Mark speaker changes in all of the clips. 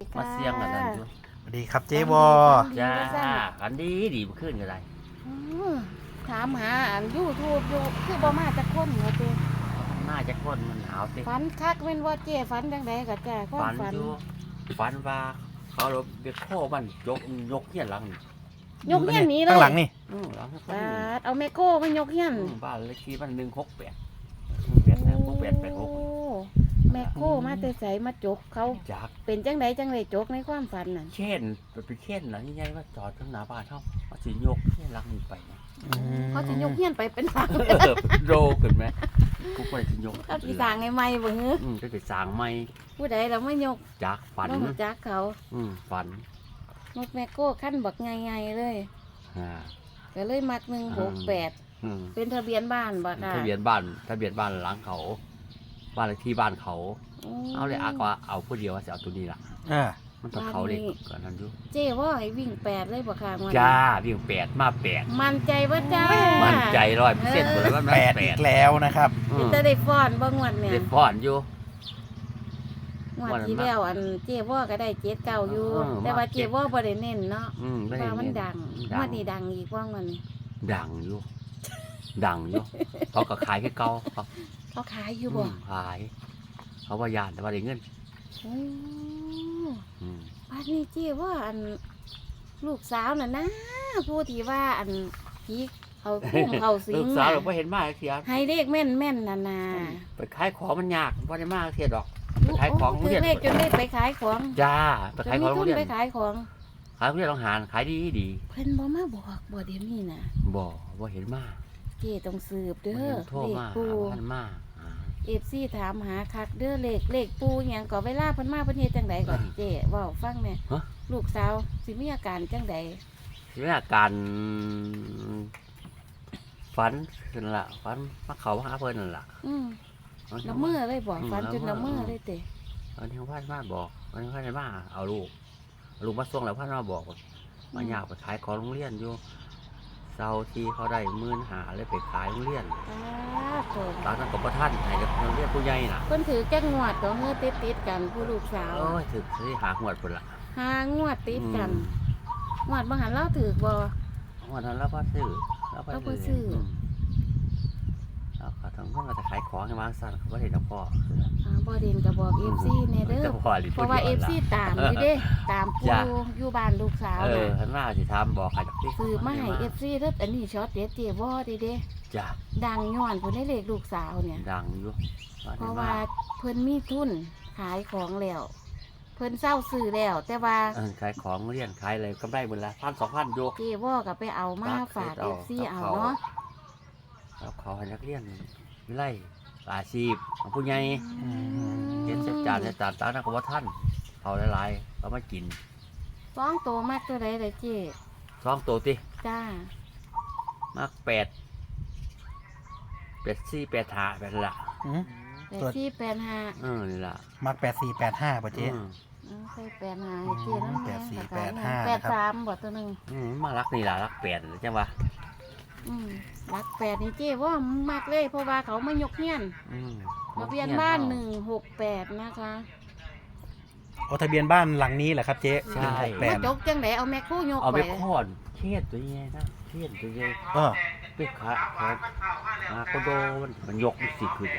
Speaker 1: มาเสียงกันนั่นอยู่
Speaker 2: สวัสดีครับเจ๊วอ
Speaker 1: จ้าอันดีดีขึ้นกันไร
Speaker 3: ถามหาอันยูทูบอยู่คือบ่มาจากคนเหรอเจ้
Speaker 1: น่าจะคนมันหนาวสิ
Speaker 3: ฝันคักแม่นว่าเจ้ฝันจังไดก็จ้าความ
Speaker 1: ฝัน
Speaker 3: ฝัน
Speaker 1: อยู่ฝันว่าเขาเราเด็กโค้มันยกเฮียนหลัง
Speaker 3: ยกเฮียนหนี้เลย
Speaker 2: ข้างหลังนี่
Speaker 1: หลัง
Speaker 3: บาดเอาแม่โก้มายกเฮียน
Speaker 1: บ้านเลขที่มัน168
Speaker 3: โอ้แม่โก้มาแต่ไสมาจกเขา
Speaker 1: จาก
Speaker 3: เป็นจังไดจังไดจกในความฝันนั่น
Speaker 1: เช่นไปเช่นหลังใหญ่ว่าจอดข้างหน้าบ้านเขามาสิยกเฮียนหลังนี้ไปนะ
Speaker 3: เขาสิยกเฮียนไปเป็นหลัง
Speaker 1: โรขึ้นไหมกูไปสิยก
Speaker 3: เขาสิสร้างให้ใหม่บ่ฮือ
Speaker 1: ก็จะสร้างใหม่
Speaker 3: ผู้ใดเราไม่ยก
Speaker 1: จากฝัน
Speaker 3: บ่รู้จักเขา
Speaker 1: ฝัน
Speaker 3: นกแม่โก้ขั้นบักใหญ่ๆเลย
Speaker 1: อ่า
Speaker 3: ก็เลยมัก168
Speaker 1: อืม
Speaker 3: เป็นทะเบียนบ้านบ่ค่ะ
Speaker 1: ทะเบียนบ้านหลังเขา บ้านเลขที่บ้านเขา เอาเลยอาก็เอาผู้เดียวว่าจะเอาตัวนี้ล่ะ
Speaker 2: อ่า
Speaker 1: มันต้องเขาเลยก่อนนั้นอยู่
Speaker 3: เจ้ว่าให้วิ่ง8เลยบ่ค่ะงวดนี้
Speaker 1: จ้าวิ่ง8มา8
Speaker 3: มั่นใจว่าจ้า
Speaker 1: มั่นใจ100%หมดแล้วว่ามัน
Speaker 2: แปดอีกแล้วนะครับ
Speaker 1: อืม
Speaker 3: จะได้ฟ้อนบ่งวดเนี่ย
Speaker 1: เด็ดพ่อนอยู่
Speaker 3: งวดที่แล้วอันเจ้ว่าก็ได้7-9อยู่ แต่ว่าเจ้ว่าบ่ได้เน้นเนาะ
Speaker 1: ไม่ได้
Speaker 3: ว่ามัน
Speaker 1: เน้น
Speaker 3: ดังงวดนี้ดังอีกว่างวันนี้
Speaker 1: ดังอยู่ ดังอยู่เขาก็ขายให้เก่าเขา
Speaker 3: เขาขายอยู่บ่
Speaker 1: ขาย เขาว่ายานแต่ว่าได้เงิน
Speaker 3: โอ้
Speaker 1: อืม
Speaker 3: บ้านนี้เจ้ว่าอันลูกสาวน่ะนะผู้ที่ว่าอันผีเขาพุ่มเขาสิ
Speaker 1: ลู
Speaker 3: ง
Speaker 1: กสาว
Speaker 3: น่ะ
Speaker 1: เราไม่เห็นมากเสีย
Speaker 3: ให้เลขแม่นน่ะนะ
Speaker 1: ไปขายของมันยากว่าได้มากเสียดอก ไปขายของ
Speaker 3: ถือเลขจนได้ไปขายของ
Speaker 1: จ้าไป
Speaker 3: จน
Speaker 1: ขาย
Speaker 3: มี
Speaker 1: ของโร
Speaker 3: ทุ
Speaker 1: ง
Speaker 3: น
Speaker 1: เรียน
Speaker 3: ไปขายของ
Speaker 1: ขายโรงเรียนโรงหารขายดีดี
Speaker 3: เพิ่นบ่มาบอกบ่เดี๋ยวนี้น่ะ
Speaker 1: บ่ว่าเห็นมาก
Speaker 3: เจ้ต้องสืบ
Speaker 1: บ่
Speaker 3: เด้
Speaker 1: เห็
Speaker 3: อน
Speaker 1: โทร
Speaker 3: เลข
Speaker 1: มา
Speaker 3: ปู
Speaker 1: หาพันมาหา
Speaker 3: FC ถามหาคักเด้อเลขปูหยังก็เวลาเพิ่นมาเพิ่นเฮ็ดจังไดก่อนเจ้เว้าฟังแหน่ลูกสาวสิมีอาการจังได
Speaker 1: ทีนี้อาการฝันขึ้นละฝันมาเขาหาเพิ่นนั่นล่ะ
Speaker 3: ละเมอเลยบอกฝันจนละเมอเลยเต้
Speaker 1: วันนี้พันมาบอกวันนี้พันมาเอาลูกมาส่งแล้วพันมาบอกว่ามาอยากไปขายของโรงเรียนอยู่เสาร์ที่เขาได้15,000เลยไปขายโรงเรียน
Speaker 3: โต
Speaker 1: ตอนนั้นก็บ่ทันให้กับโรงเรียนผู้ใหญ่น่ะ
Speaker 3: เพิ่นถือแก้งงวดก็เฮือติดกันผู้ลูกสาว
Speaker 1: โอ้ยถึกสิหาหวดพุ่นล่ะ
Speaker 3: หางวดติดกันงวดบ่หันเล่าถือบ่
Speaker 1: วันนั้นเราบ่ซื้อ
Speaker 3: เราบ่ซื้อ
Speaker 1: เราก็ต้องเพิ่นมาจะขายของให้วางสั่นเขาบ่ได้ดอกพ่อ
Speaker 3: บ่เด่นก็บอก FC แน่เด้อ
Speaker 1: จะพ่อหรือ
Speaker 3: เพราะว่า FC ตามอยู่เด้ตามปูอยู่บ้านลูกสาว
Speaker 1: เออ
Speaker 3: น่ะ
Speaker 1: ท่านมาสิถามบอกให้ดอกติ
Speaker 3: สืบมาให้ FC เด้ออันนี้ช็อตเด็ดเจ้บ่เด้
Speaker 1: จ้ะ
Speaker 3: ดังย้อนเพิ่นได้เลขลูกสาวเนี่ย
Speaker 1: ดังอยู่
Speaker 3: เพราะว่าเพิ่นมีทุนขายของแล้วเพิ่นเศร้าซื้อแล้ว แต่ว่า
Speaker 1: ขายของเรียนขายอะไรกำไรหมดละ1,000-2,000อยู่
Speaker 3: เจว่าก็ไปเอามาฝาก FC เอาเนาะ
Speaker 1: แล้วขอให้นักเรียนวิไลอาชีพของผู้ใหญ่เรียนเสร็จจานตานักว่าท่านเขาหลายๆเขามากิน
Speaker 3: ฟ้องโตมากตัวใดเลยเจ๊
Speaker 1: 2 ตัวติ
Speaker 3: จ้าม
Speaker 1: าก8 8 4 8 5แบบนั้นละ
Speaker 3: 8485
Speaker 1: นี่ล่ะ
Speaker 2: มัก8485ป่ะเจ๊
Speaker 3: ใส่85ให้เจ๊นั่นแหละ
Speaker 2: 8485นะครับ
Speaker 3: 83บ่ตัวหนึง
Speaker 1: มารักนี่ล่ะรัก8จังวะ
Speaker 3: รัก8นี่เจ๊ว่ามักเลยเพราะว่าเขามายกเฮียนทะเบียนบ้าน168นะคะ
Speaker 2: โอ้ทะเบียนบ้านหลังนี้แหละครับเจ๊
Speaker 1: ใช่
Speaker 3: มาจกจังไดเอาแม่คู่ยก
Speaker 1: เอา
Speaker 3: ไป
Speaker 1: ไปค้อนเครียดตัวใหญ่นะเครียดตัวใหญ่
Speaker 2: เออ
Speaker 1: ไปขามาโคโดมันยกมันสิขึ้น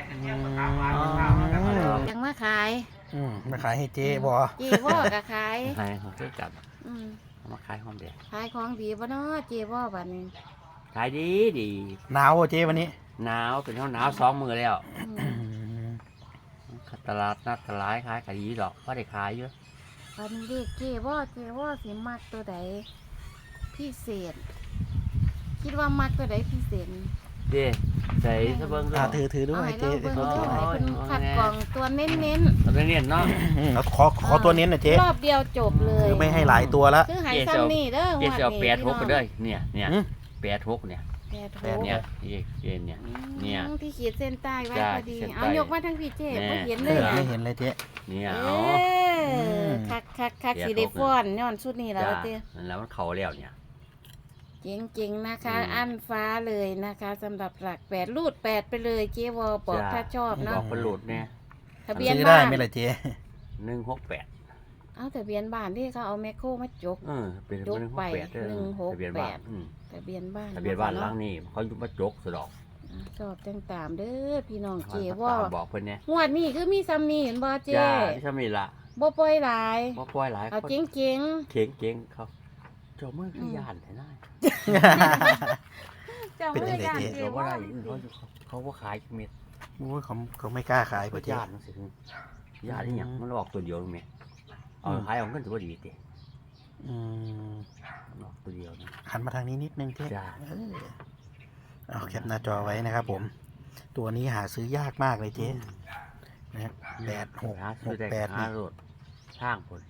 Speaker 3: ยังมาขาย
Speaker 2: มาขายให้เจ๊วอ
Speaker 3: เจ๊ว่าก็ขาย
Speaker 1: ให้เขาซื้อกัน
Speaker 3: อืม
Speaker 1: เอามาขายหอมแดง
Speaker 3: ขายของดีบ่เนาะเจ๊ว่าบัดนี้
Speaker 1: ขายดีดี
Speaker 2: หนาวอ่ะเจ๊วันนี้
Speaker 1: หนาวเป็นหนาว2 มื้อแล้ว
Speaker 3: อืม
Speaker 1: ตลาดนัดตลาดขายขายดีดอกเพราะได้ขายเยอะ
Speaker 3: บัดนี้เด็กเจ๊ว่าสิมักตัวใดพิเศษ คิดว่ามักตัวใดพิเศษ
Speaker 1: เด้ใส่ซะเบิ่งด้ว
Speaker 2: ถือด้วย
Speaker 3: เอาให้
Speaker 2: เจ๊
Speaker 3: เราเบิ่ง
Speaker 1: อ๋อ
Speaker 3: ดูให้เพิ่นคัดกรองตัวเน้น
Speaker 1: เอาไปเรียนเนาะ
Speaker 2: เอาขอตัวเน้นหน่อยเจ๊
Speaker 3: รอบเดียวจบเลย
Speaker 2: คือไม่ให้หลายตัวละ
Speaker 3: คือใหายซ้ำนี่เด้อ
Speaker 1: เจ๊จะเอา
Speaker 3: งวดนี้
Speaker 1: 86ไปเด้อเนี่ย
Speaker 2: อืม
Speaker 1: 86เนี่ย
Speaker 3: แปดหก
Speaker 1: เนี่ยเนี่ย เนี่ย
Speaker 3: ที่ขีดเส้นใต้ไว้
Speaker 1: จ้า
Speaker 3: พอดี
Speaker 1: เส้นใต้
Speaker 3: เอายกมาทั้งพี่เจ๊
Speaker 1: แน่
Speaker 3: บ่เห็น
Speaker 2: เอ
Speaker 3: เลย
Speaker 2: อ
Speaker 3: อ่ะ
Speaker 2: ไม่เห็นเลยเจ๊
Speaker 1: เนี่ย
Speaker 3: เอ
Speaker 1: เอา
Speaker 3: อคักสิได้ฟ้อนย้อนชุดนี้แล้ว
Speaker 1: จ้า
Speaker 3: เต้
Speaker 1: นั่นแล้วมันเข้าแล้วเนี่ย
Speaker 3: เจ๋งๆนะคะ
Speaker 1: อืม
Speaker 3: อันฟ้าเลยนะคะสำหรับหลัก8รูด8ไปเลยเจ๊วอบอก
Speaker 1: จ้า
Speaker 3: ถ้าชอบ
Speaker 1: บ
Speaker 3: เนาะ
Speaker 1: อกเป็นโหลดเนี่ย
Speaker 3: ทะเบียน
Speaker 2: ซื้อได้
Speaker 3: บ้าน
Speaker 2: ไหมล่ะเจ๊
Speaker 1: 168
Speaker 3: เอาทะเบียนบ้านที่เขาเอาแมคโครมาจก
Speaker 1: เป็น
Speaker 3: ยกไป
Speaker 1: 168เด้อทะเบียนบ้าน
Speaker 3: ทะเบียนบ้าน
Speaker 1: ทะเบียนบ้านหลังนี้เขาอยู่มาจกสะดอก
Speaker 3: ชอบจังตามเด้อพี่น้องเจ
Speaker 1: เขา
Speaker 3: ว่า
Speaker 1: ตามบอกเพิ่นเนี่ย
Speaker 3: งวดนี้คือมีซ้ำนี่เห็นบ่เจ
Speaker 1: จ้าที่ทำนี่ล่ะ
Speaker 3: บ่ปล่อยหลาย
Speaker 1: บ่ปล่อยหลาย
Speaker 3: เอา
Speaker 1: คน
Speaker 3: เจ๋ง
Speaker 1: เก่งๆเขาเจ้ามือคือย่านแท้นาย
Speaker 3: ๆเจ้า
Speaker 2: เป็น
Speaker 3: มื
Speaker 2: จั
Speaker 3: อง
Speaker 2: ได๋
Speaker 3: ย่าน
Speaker 2: เจ๊
Speaker 3: เจ
Speaker 1: เขาบ่
Speaker 3: ว่า
Speaker 1: ได้เขาบ่ขายจักเม็ด
Speaker 2: โอ้ยเขาไม่กล้าขาย
Speaker 1: เขา
Speaker 2: ป่ะเจ๊
Speaker 1: ย่านจังซี่ย่านอีหยังมันออกตัวเดียวแม่เอาขายเอาเงินสิบ่ดีติ
Speaker 2: อืม
Speaker 1: มันออกตัวเดียวนะ
Speaker 2: หันมาทางนี้นิดนึงเจ๊
Speaker 1: จ้า
Speaker 2: เอาแคปหน้าจอไว้นะครับผม ตัวนี้หาซื้อยากมากเลยเจ๊นะ86
Speaker 1: หาซื้อได้
Speaker 2: 68
Speaker 1: หา
Speaker 2: นี่
Speaker 1: รถทางพุ่น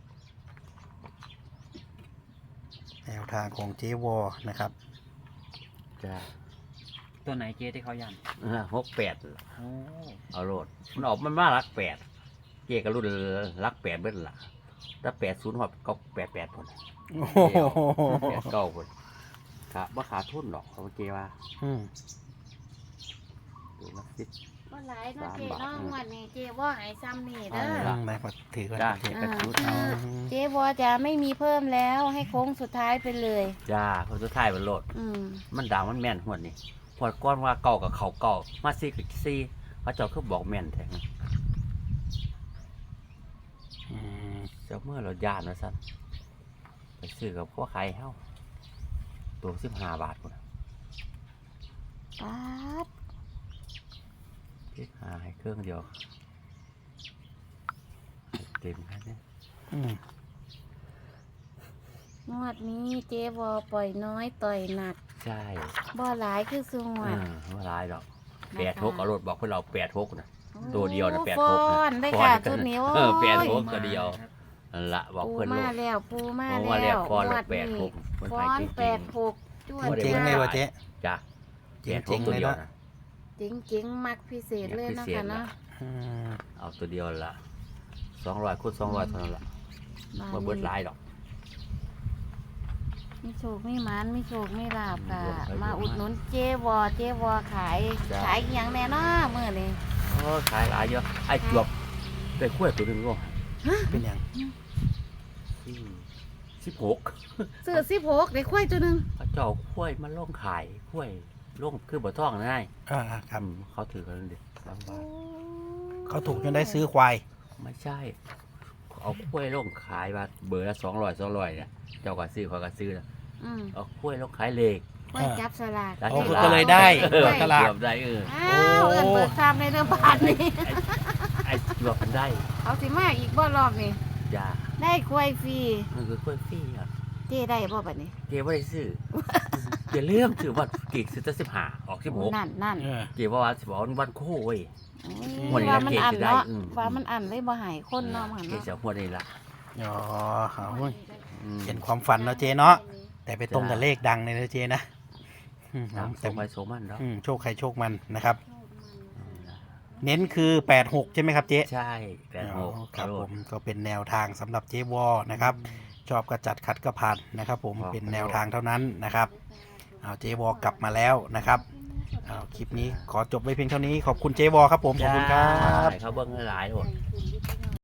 Speaker 2: แนวทางของเจ๊วอนะครับ
Speaker 1: จ้า
Speaker 4: ตัวไหนเจ๊ที่เขายัน
Speaker 1: 68
Speaker 4: โอ้
Speaker 1: เอารถมันออกมันมารัก8เจ๊ก็รุ่นรัก8เบิดล่ะถ้า80ฮอดก็88พุ่น
Speaker 2: โอ้โห
Speaker 1: 89พุ่นครับบ่ขาดทุนหรอกเขาเจ๊ว่า
Speaker 2: อืม
Speaker 1: ตัวละ10
Speaker 3: บ่หลายเนาะเจ
Speaker 1: 3 บาท
Speaker 3: เนาะงวดนี้เจว่าให้ซ้ำนี่เด้อ
Speaker 1: เอา
Speaker 2: ไหนมาถือก่อน
Speaker 1: จ้า
Speaker 2: เจ๊
Speaker 1: เจ๊ก็ชุด
Speaker 3: อ่า เจว่าจะไม่มีเพิ่มแล้วให้โค้งสุดท้ายไปเลย
Speaker 1: จ้าคนสุดท้ายมันโหลด มันด่างมันแม่นหวดนี่หวดก้อนว่าเก่ากับเขาเก่ามาซีกับซีพระเจ้าคือบอกแม่นแท้
Speaker 2: อืม
Speaker 1: เจ้าเมื่อเราย่านว่าซั่นไปซื้อกับพวกขายเฮาตัว15 บาทพุ่น
Speaker 3: ป๊าด
Speaker 1: 15ให้เครื่องเดียวให้เต็มแค่นี้
Speaker 2: อืม
Speaker 3: งวดนี้เจวอปล่อยน้อยต่อยหนัก
Speaker 1: ใช่
Speaker 3: บ่หลายคือสุงวด
Speaker 1: ว่าหลายดอก
Speaker 3: นะคะ
Speaker 1: 86เอารถบอกเพื่อนเรา86นะตัวเดียวนะ
Speaker 3: โอ้
Speaker 1: 86
Speaker 3: ฟ้อนได้ค่ะชุดนี้โอ้ย
Speaker 1: 86ตัวเดียวนั่นละบอก
Speaker 3: ปู
Speaker 1: เพื่อนลู
Speaker 3: มาก แล้วปูมา
Speaker 1: เพราะว่าเรี
Speaker 3: แล้
Speaker 1: ยก
Speaker 3: ว
Speaker 1: ฟอน
Speaker 3: ง
Speaker 1: ละ
Speaker 3: วดนี้
Speaker 1: 86มัน
Speaker 3: ฟ้อ
Speaker 1: ขาย
Speaker 3: น
Speaker 1: จริง
Speaker 3: แปดหกจ้ว
Speaker 1: บ่
Speaker 3: น
Speaker 1: ได้
Speaker 2: เจ๊งเลยวะเจ๊
Speaker 1: จ้ะ
Speaker 2: เจ๋ง
Speaker 1: 86ตัวเดียวนะ
Speaker 3: จริงจริงๆมักพิเศษเลยนะคะเนาะ
Speaker 2: อืม
Speaker 1: เอาตัวเดียวละ200คูณ200เท่านั้นละบ่เบิดหลายดอก
Speaker 3: มีโชคมีหมันมีโชคมีลาบค่ะ
Speaker 1: รวมไป
Speaker 3: มาอุดหนุนเจวอขาย
Speaker 1: จ้ะ
Speaker 3: ขายอหย่างแน่เนาะมื้อนี้
Speaker 1: โอ้ขายหลายเยอะไอ้จวบได้กล้วยตัวหนึงก็
Speaker 2: เป็นอย่าง
Speaker 1: 16
Speaker 3: ซื้อ16ได้ควายตัวหนึง
Speaker 1: เขาเจ้ากล้วยมาลงขายกล้วยลงคือบ่ท่องนะนาย
Speaker 2: ครับ
Speaker 1: เขาถือกันดิบางบาท
Speaker 2: เขาถูกจนได้ซื้อควาย
Speaker 1: ไม่ใช่ เอากล้วยลงขายมาเบอร์ละ200เนี่ยเจ้าก็ซื้อเขาก็ซื้อนะ
Speaker 3: อืม
Speaker 1: เอากล้วยลงขายเลข
Speaker 3: ควายจับสลาก
Speaker 1: แล้ว
Speaker 2: โอ้
Speaker 1: ที่
Speaker 2: ก็เลยได้
Speaker 1: เออ
Speaker 2: ตลาด
Speaker 1: เกือบได้
Speaker 3: อ้าวเอิ้นเปิดซามในเรื่องบ้านนี่
Speaker 1: ไอ้จวบมันได้
Speaker 3: เอาสิมาอีกบ่รอบนี่
Speaker 1: จ้า
Speaker 3: ได้ควายฟรี
Speaker 1: มันคือกล้วยฟรีอ่ะ
Speaker 3: เจ้ได้บ่บัดนี้
Speaker 1: เจ๊ไม่ได้ซื้อ เจ๊เลื่อมถือว่ากี่ซื้อตั้ง15ออก16
Speaker 3: นั่น
Speaker 2: เออ
Speaker 1: เจ๊ว่าสิบวันโค้ย
Speaker 3: ๆ
Speaker 1: วันนี้
Speaker 3: ว่ามันอัน
Speaker 1: เจ๊สิได้
Speaker 3: เนาะ
Speaker 1: อืม
Speaker 3: ว่ามันอันเลยบ่ใหายคนเนาะมัน
Speaker 1: เจ๊
Speaker 3: เนาะ
Speaker 1: จะหัวได้ละ
Speaker 2: อ๋อเอาเว้ย
Speaker 1: อืม
Speaker 2: เป็นความฝันเนาะเจ๊เนาะ แต่ไปตรงกับเลขดังเลยนะเจ๊นะอืม
Speaker 1: ตาม
Speaker 2: แต่
Speaker 1: ส่งไปโซมันเนาะ
Speaker 2: โชคใครโชคมันนะครับ เน้นคือ86ใช่ไหมครับเจ๊
Speaker 1: ใช่แต่
Speaker 2: อ๋
Speaker 1: โห
Speaker 2: อครับผมก็เป็นแนวทางสำหรับเจ๊วอนะครับ ชอบก็จัดคัดก็ผ่านนะครับ ผมเป็นแนวทางเท่านั้นนะครับเอาเจ๊วอกลับมาแล้วนะครับเอาคลิปนี้ขอจบไว้เพียงเท่านี้ขอบคุณเจ๊วอครับผมขอบคุณครับ
Speaker 1: เขาเบิ้งหลายๆโหด